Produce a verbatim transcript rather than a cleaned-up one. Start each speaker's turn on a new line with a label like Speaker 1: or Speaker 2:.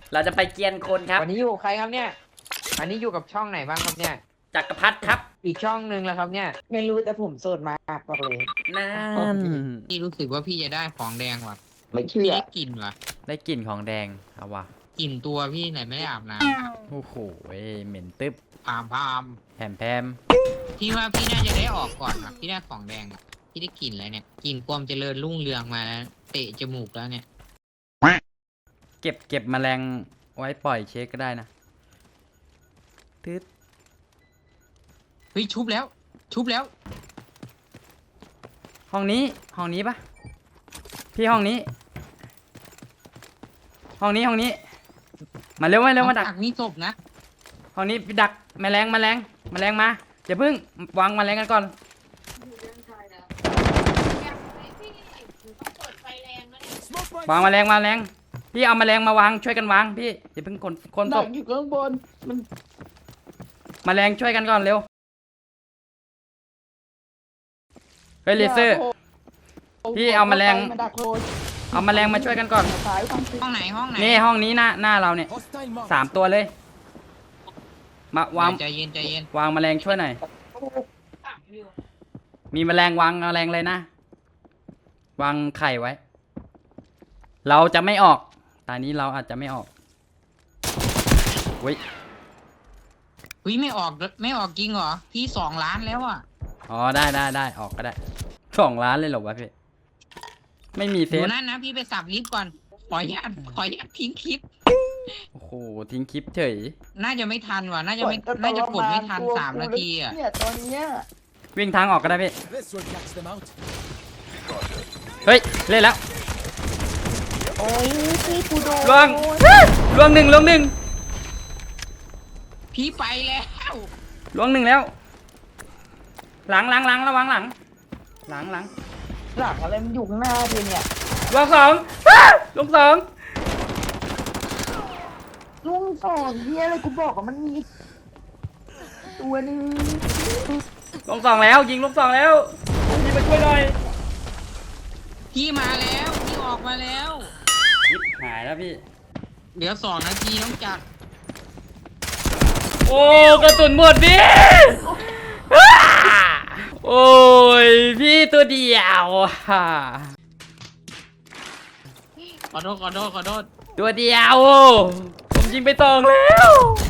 Speaker 1: เราจะไปเกียนคนครับ
Speaker 2: วันนี้อยู่กับใครครับเนี่ยอันนี้อยู่กับช่องไหนบ้างครับเนี่ย
Speaker 1: จักรพรรดิครับ
Speaker 2: อีกช่องหนึ่งแล้วครับเนี่ย
Speaker 3: ไม่รู้แต่ผมโสดมากบอกเลย
Speaker 1: นั่น
Speaker 2: พี่รู้สึกว่าพี่จะได้ของแดงว่ะ
Speaker 3: ไม่เชื่
Speaker 2: พี่
Speaker 3: อ
Speaker 2: ได้กลิ่นว่ะ
Speaker 1: ได้กลิ่นของแดงเอาวะ
Speaker 2: กลิ่นตัวพี่ไหนไม่ได้อาบน้
Speaker 1: โอ้โหเหม็นตึ๊บ
Speaker 2: ำพามพาม
Speaker 1: แผมแพม
Speaker 2: พี่ว่าพี่น่าจะได้ออกก่อนว่ะพี่ได้ของแดงอ่ะพี่ได้กลิ่นอะไรเนี่ยกลิ่นความเจริญรุ่งเรืองมาเตะจมูกแล้วเนี่ย
Speaker 1: เก็บเก็บแมลงไว้ปล่อยเช็คก็ได้นะตึ๊ด
Speaker 2: เฮ้ยชุบแล้ว ชุบแล้ว
Speaker 1: ห้องนี้ห้องนี้ปะพี่ห้องนี้ ห้องนี้ห้องนี้ มาเร็วมาเร็วมาดัก
Speaker 2: นี่ศพนะ
Speaker 1: ห้องนี้ดักแมลงแมลงแมลงมาอย่าเพิ่งวางแมลงกันก่อนวางแมลงแมลงพี่เอาแมลงมาวางช่วยกันวางพี่อย่าเพิ่งคนคนศ
Speaker 3: ดั
Speaker 1: พ
Speaker 3: กอยู่ข้างบนมัน
Speaker 1: แมลงช่วยกันก่อนเร็วเฮ้ยเลเซอร์ พี่เอาแมลง
Speaker 3: มาดักโคตร
Speaker 1: เอาแมลงมาช่วยกันก่อน
Speaker 3: ซ้ายทางซ้าย
Speaker 2: ห้องไหนห้องไหน
Speaker 1: นี่ห้องนี้หน้าหน้าเราเนี่ยสามตัวเลยมาวาง
Speaker 2: ใจเย็นใจเย็น
Speaker 1: วางแมลงช่วยหน่อยมีแมลงวางแมลงเลยนะวางไข่ไว้ เราจะไม่ออกตอนนี้เราอาจจะไม่ออกเว้ย
Speaker 2: เฮ้ยไม่ออกไม่ออกจริงเหรอพี่สองล้านแล้วอ่ะ
Speaker 1: อ๋อได้ได้ได้ออกก็ได้สองล้านเลยเหรอวะพี่ไม่มีเซ
Speaker 2: ดู
Speaker 1: ฟ
Speaker 2: นั่นนะพี่ไปสับลิฟต์ก่อนขออนุญาตขออนุญาตทิ้งคลิป
Speaker 1: โอ้โหทิ้งคลิปเฉย
Speaker 2: น่าจะไม่ทันว่ะน่าจะไม่น่าจะกดไม่ทันสามนาทีอ่ะ
Speaker 3: เนี่ยตอนเนี้ย
Speaker 1: วิ่งทางออกก็ได้พี่
Speaker 4: This will catch them out.
Speaker 1: เฮ้ยเล่นแล้ว
Speaker 3: โอ้ยพี่กูโดน
Speaker 1: ล่วงล่วงหนึ่งล่วงหนึ่ง
Speaker 2: พี่ไปแล้ว
Speaker 1: ล่วงหนึ่งแล้ว หลังหลังหลังระวังหลัง หลังหลัง
Speaker 3: หลังอะไรมันอยู่ข้างหน้าเธอเนี่ย
Speaker 1: ล่วงสองอ้าล่วงสอง
Speaker 3: ลุงสองเฮียอะไรกูบอกว่ามันมีตัวนึง
Speaker 1: ล่วงสองแล้วยิงล่วงสองแล้วยิงมาช่วยหน่อย
Speaker 2: พี่มาแล้วพี่ออกมาแล้ว
Speaker 1: ยิบหายแล้วพี่
Speaker 2: เหลือสองนาทีต้องจัด
Speaker 1: โอ้กระสุนหมดพี่อ้าโอ้ยพี่ตัวเดียวฮ่า
Speaker 2: ขอโทษขอโทษขอโทษ
Speaker 1: ตัวเดียวผมยิงไปสองแล้ว